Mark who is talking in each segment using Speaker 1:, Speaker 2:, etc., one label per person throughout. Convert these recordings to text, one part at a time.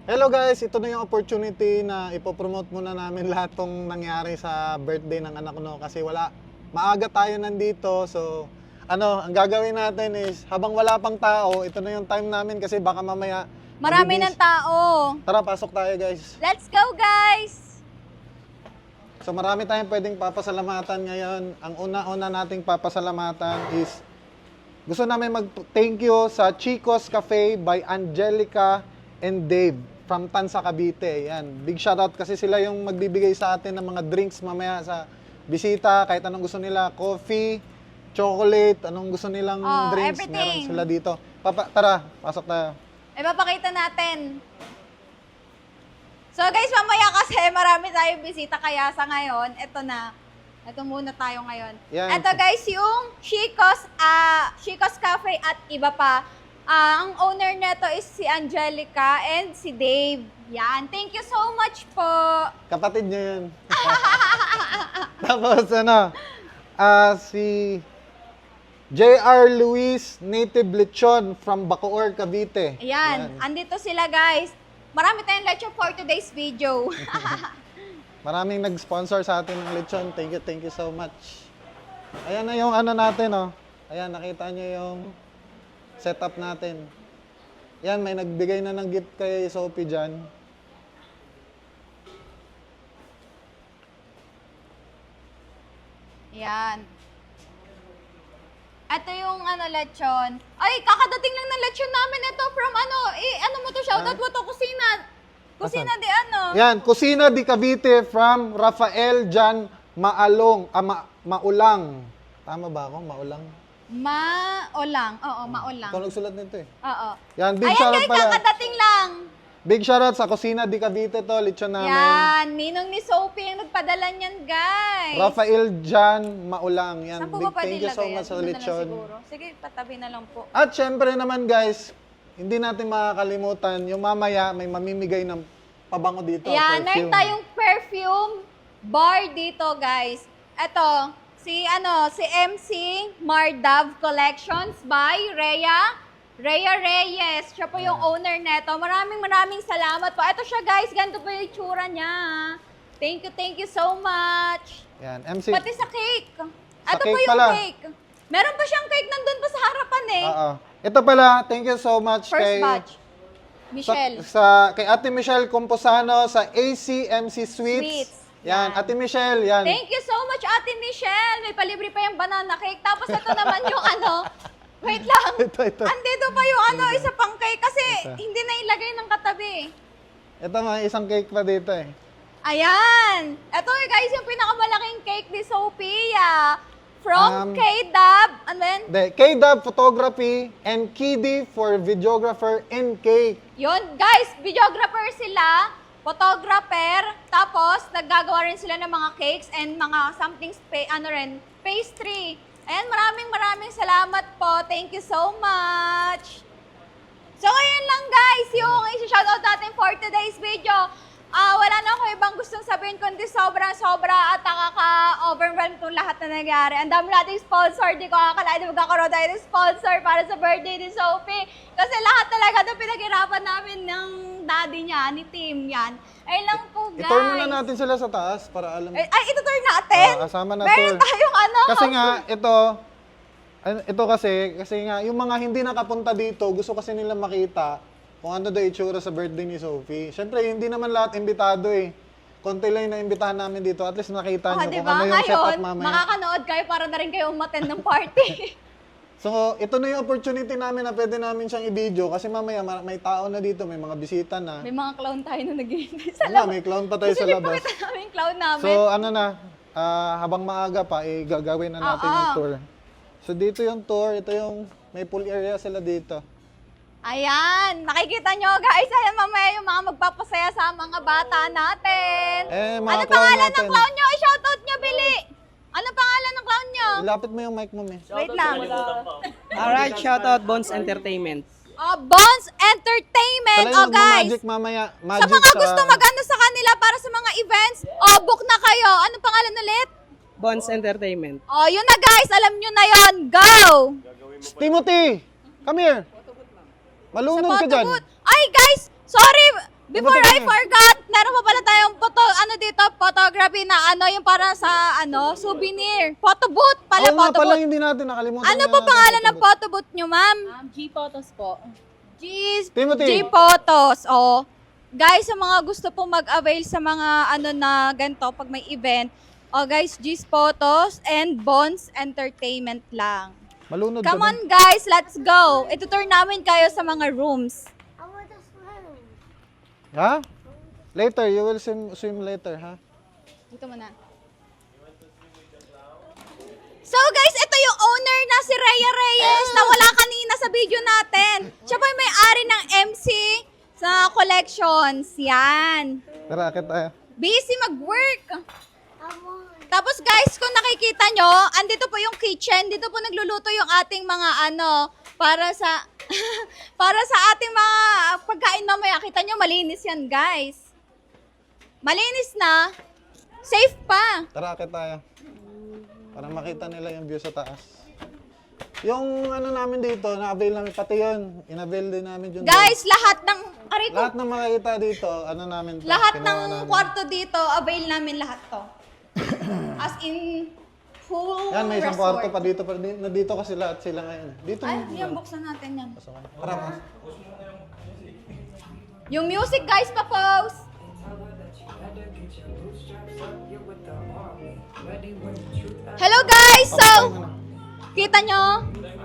Speaker 1: Hello guys, ito na yung opportunity na ipopromote muna namin lahat tong nangyari sa birthday ng anak ko kasi maaga tayo nandito. So, ang gagawin natin is habang wala pang tao, ito na yung time namin kasi baka mamaya
Speaker 2: Marami ng tao.
Speaker 1: Tara, pasok tayo guys.
Speaker 2: Let's go, guys!
Speaker 1: So marami tayong pwedeng papasalamatan ngayon. Ang una-una nating papasalamatan is gusto namin mag-thank you sa Chico's Cafe by Angelica and Dave from Tansa, Cavite. Yan. Big shoutout kasi sila yung magbibigay sa atin ng mga drinks mamaya sa bisita. Kahit anong gusto nila, coffee, chocolate, anong gusto nilang drinks, meron
Speaker 2: everything.
Speaker 1: sila dito. Tara, pasok tayo.
Speaker 2: Ipapakita natin. So guys, mamaya kasi marami tayong bisita kaya sa ngayon, ito muna tayo ngayon.
Speaker 1: Yan.
Speaker 2: Ito guys, yung Chico's Cafe at iba pa. Ang owner nito is si Angelica and si Dave. Yan. Thank you so much po.
Speaker 1: Kapatid niya yun. Tapos si J.R. Luis Native Lechon from Bacoor, Cavite.
Speaker 2: Ayan. Andito sila guys. Marami tayong lechon for today's video.
Speaker 1: Maraming nag-sponsor sa atin ng lechon. Thank you so much. Ayan na yung natin, oh. Ayan, nakita niyo yung setup natin. Yan, may nagbigay na ng gift kay Sophie dyan.
Speaker 2: Yan. Ito yung lechon. Ay, kakadating lang ng lechon namin. Ito from mo to, shoutout mo to, kusina. Kusina
Speaker 1: Asan?
Speaker 2: di
Speaker 1: Yan, Kusina di Cavite from Rafael Jan Maulang. Tama ba ako? Maulang?
Speaker 2: Maulang. Oo, Maulang.
Speaker 1: Ikaw nagsulat nito eh.
Speaker 2: Oo.
Speaker 1: Yan, big
Speaker 2: Ayan
Speaker 1: shoutout
Speaker 2: guys,
Speaker 1: pala.
Speaker 2: kakadating lang.
Speaker 1: Big shoutout sa Kusina di Cavite to, lechon namin.
Speaker 2: Yan, ninong ni Sophie ang nagpadala niyan guys.
Speaker 1: Rafael Jan Maulang. Yan,
Speaker 2: Saan po
Speaker 1: big
Speaker 2: ba pwede
Speaker 1: thank you so
Speaker 2: ilagay
Speaker 1: much
Speaker 2: yan?
Speaker 1: sa
Speaker 2: Doon na lang
Speaker 1: lechon.
Speaker 2: siguro. Sige, patabi na lang po.
Speaker 1: At syempre naman guys, hindi natin makakalimutan, yung mamaya may mamimigay ng pabango dito.
Speaker 2: Yan, meron
Speaker 1: perfume.
Speaker 2: tayong perfume bar dito, guys. Ito, si MC Mardav Collections by Rhea Reyes. Siya po yung owner neto. Maraming salamat po. Ito siya, guys. Ganito po yung itsura niya. Thank you so much.
Speaker 1: Yan, MC.
Speaker 2: Pati sa cake.
Speaker 1: Sa
Speaker 2: Ito po
Speaker 1: cake
Speaker 2: yung
Speaker 1: pala.
Speaker 2: cake. Meron pa siyang cake nandun pa sa harapan eh.
Speaker 1: Oo. Ito pala, thank you so much
Speaker 2: First
Speaker 1: kay
Speaker 2: batch. Michelle.
Speaker 1: kay Ate Michelle Composano sa ACMC Sweets.
Speaker 2: Sweets.
Speaker 1: Yan, Ate Michelle, yan.
Speaker 2: Thank you so much, Ate Michelle. May palibre pa yung banana cake. Tapos ito naman yung wait lang.
Speaker 1: Ito.
Speaker 2: Andito pa yung isa pang cake kasi hindi na ilagay ng katabi.
Speaker 1: Ito nga, isang cake pa dito eh.
Speaker 2: Ayan. Ito guys, yung pinakamalaking cake ni Sophia. From
Speaker 1: Um,
Speaker 2: K-Dub. Ano yan?
Speaker 1: K-Dub Photography and Kiddy for Videographer and Cake.
Speaker 2: Yun, guys, videographer sila, photographer, tapos naggagawa rin sila ng mga cakes and mga something, pastry. Ayan, maraming salamat po. Thank you so much. So, ayan lang guys, yung isi-shoutout natin for today's video. Wala na ako ibang gustong sabihin kundi sobra-sobra at nakaka-overwhelm itong lahat na nangyari. Ang dami nating sponsor, di ko akalain na magkakaroon tayo ng sponsor para sa birthday ni Sophie. Kasi lahat talaga ito pinaghirapan namin ng daddy niya, ni Tim yan. Ayun lang po guys.
Speaker 1: I-tour muna natin sila sa taas para alam.
Speaker 2: Ay, itutur natin?
Speaker 1: Kasama na
Speaker 2: Meron
Speaker 1: tour.
Speaker 2: tayong
Speaker 1: Kasi nga, ito kasi nga, yung mga hindi nakapunta dito, gusto kasi nila makita kung ano daw itsura sa birthday ni Sophie. Siyempre, hindi naman lahat imbitado eh. Konti lang yung naimbitahan namin dito. At least nakita nyo kung ano yung setup mamaya.
Speaker 2: Makakanood kayo para na rin kayo umattend ng party.
Speaker 1: So, ito na yung opportunity namin na pwede namin siyang i-video kasi mamaya may tao na dito, may mga bisita na.
Speaker 2: May mga clown tayo na naghihintay sa
Speaker 1: Wala, may clown pa tayo sa labas.
Speaker 2: Gusto niyo namin yung clown namin.
Speaker 1: So, habang maaga pa, gagawin na natin yung tour. So, dito yung tour. Ito yung, may pool area sila dito.
Speaker 2: Ayan, nakikita nyo guys, ayan mamaya yung mga magpapasaya sa mga bata natin.
Speaker 1: Mga
Speaker 2: Ano
Speaker 1: clown
Speaker 2: pangalan
Speaker 1: natin.
Speaker 2: ng clown nyo? I-shoutout nyo, Bili! Ano pangalan ng clown nyo?
Speaker 1: Ilapit mo yung mic mo, me.
Speaker 2: Wait lang.
Speaker 3: Alright, shoutout Bones Entertainment.
Speaker 2: Bones Entertainment,
Speaker 1: Sila yung
Speaker 2: guys.
Speaker 1: magic mamaya.
Speaker 2: Sa
Speaker 1: Magic
Speaker 2: mga gusto mag-ano sa kanila para sa mga events, book na kayo. Anong pangalan ulit?
Speaker 3: Bones Entertainment.
Speaker 2: Yun na guys, alam nyo na yon. Go!
Speaker 1: Timothy! Come here! Malunod ka dyan.
Speaker 2: Ay guys, sorry! Before I forgot, meron pa pala tayong photography na yung para sa souvenir. Photo booth pala,
Speaker 1: Oo nga
Speaker 2: photo
Speaker 1: pala,
Speaker 2: booth.
Speaker 1: hindi natin nakalimutan.
Speaker 2: Ano
Speaker 1: na
Speaker 2: po
Speaker 1: natin
Speaker 2: pangalan ng
Speaker 1: photo
Speaker 2: photo booth nyo, ma'am?
Speaker 4: G-Photos po.
Speaker 1: Timothy.
Speaker 2: G-Photos. Oh. Guys, sa mga gusto pong mag-avail sa mga na ganito pag may event, guys, G-Photos and Bonds Entertainment lang.
Speaker 1: booth. Malunod
Speaker 2: Come
Speaker 1: ka
Speaker 2: on guys, let's go. Itutur namin kayo sa mga rooms.
Speaker 1: Ha? Later, you will swim later, ha?
Speaker 2: Dito muna. So guys, ito yung owner na si Rhea Reyes na wala kanina sa video natin. Siya pa yung may-ari ng MC sa collections. Yan.
Speaker 1: Tara, akit tayo.
Speaker 2: Busy mag-work. Tapos guys, kung nakikita nyo, andito po yung kitchen. Dito po nagluluto yung ating mga para sa para sa ating mga pagkain mamaya. Kita nyo, malinis yan guys. Malinis na. Safe pa.
Speaker 1: Tara, akit tayo. Para makita nila yung view sa taas. Yung namin dito, na-avail namin, pati yun. In-avail din namin yun.
Speaker 2: Guys, lahat ng
Speaker 1: Lahat ng makikita dito, namin to,
Speaker 2: lahat
Speaker 1: kinuha
Speaker 2: ng
Speaker 1: namin.
Speaker 2: kwarto dito, avail namin lahat to. As in, full
Speaker 1: Yan, may isang
Speaker 2: resort.
Speaker 1: kwarto pa dito. Nandito kasi lahat sila ngayon. Dito
Speaker 2: Ay,
Speaker 1: mo.
Speaker 2: yan, buksan natin yan.
Speaker 1: Tara, pas.
Speaker 2: Yung music, guys, pa-pause. Hello, guys! So, kita nyo?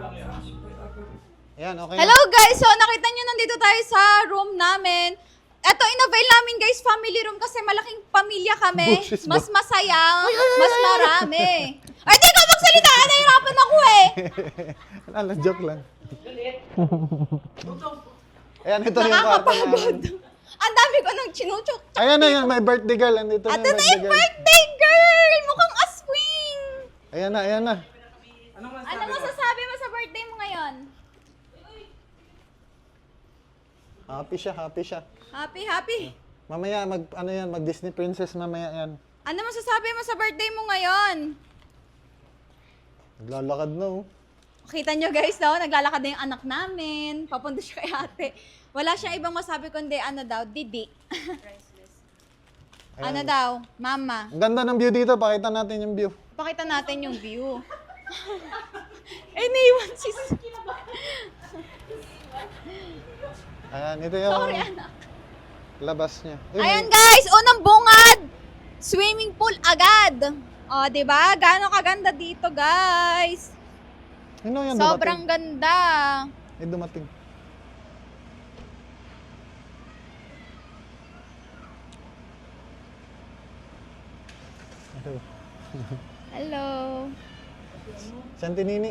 Speaker 1: Yan, okay.
Speaker 2: Hello, guys! So, nakita nyo, nandito tayo sa room namin. Eto, in-avail namin, guys, family room kasi malaking pamilya kami.
Speaker 1: Bushes
Speaker 2: Mas
Speaker 1: ba?
Speaker 2: masaya, mas marami. Ay, di ka magsalita! Nahihirapan ako eh!
Speaker 1: Ala, joke lang. Ayan, ito yung kwarto namin.
Speaker 2: Nakakapagod. Ang dami ko nang chinuchok.
Speaker 1: Ayan na yan, may birthday girl. Andito na
Speaker 2: At
Speaker 1: yung
Speaker 2: ito yung
Speaker 1: birthday girl.
Speaker 2: birthday girl! Mukhang aswing!
Speaker 1: Ayan na, ayan na.
Speaker 2: Ano masasabi mo sa birthday mo ngayon?
Speaker 1: Happy siya, happy siya.
Speaker 2: Happy, happy.
Speaker 1: Mamaya, mag Disney Princess mamaya yan.
Speaker 2: Ano masasabi mo sa birthday mo ngayon?
Speaker 1: Naglalakad na, oh.
Speaker 2: Kita nyo guys, naglalakad na yung anak namin. Papunta siya kay ate. Wala siyang ibang masabi kundi Didi. Ano daw? Mama.
Speaker 1: Ang ganda ng view dito, pakita natin yung view.
Speaker 2: Pakita natin yung view. Eh, naiwan si...
Speaker 1: Ayan, ito yung
Speaker 2: Sorry, anak.
Speaker 1: labas niya. Uy,
Speaker 2: Ayan guys, unang bungad. Swimming pool agad. O, diba? Gaano kaganda dito, guys.
Speaker 1: Sino yan
Speaker 2: Sobrang
Speaker 1: dumating?
Speaker 2: ganda.
Speaker 1: May dumating. Hello.
Speaker 2: Hello.
Speaker 1: Santinini.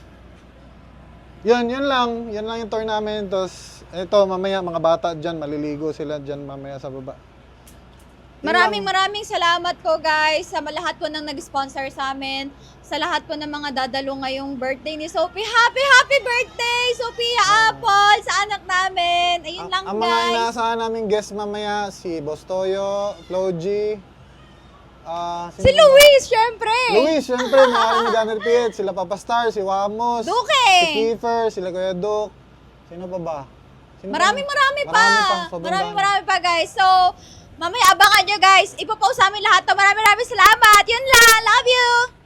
Speaker 1: Yun lang. Yan lang yung tour namin. Tapos, ito, mamaya, mga bata dyan, maliligo sila dyan mamaya sa baba.
Speaker 2: Maraming salamat po guys sa lahat po ng nag-sponsor sa amin. Sa lahat po ng mga dadalo ngayong birthday ni Sophie. Happy birthday, Sophia Apple, sa anak namin. Ayun lang
Speaker 1: Ang mga
Speaker 2: guys.
Speaker 1: inaasahan namin guest mamaya, si Boss Toyo, Flo G,
Speaker 2: Si Luis, syempre.
Speaker 1: Luis, syempre, mga ni Gunner Piet, sila Papa Star, si Wamos,
Speaker 2: Duke.
Speaker 1: si Kiefer, sila Kuya Duke. Sino pa ba? Sino pa?
Speaker 2: Marami pa.
Speaker 1: sobrang dami.
Speaker 2: Marami pa guys. So, mamaya abangan nyo guys. Ipopost sa amin lahat to. Maraming salamat. Yun lang. Love you.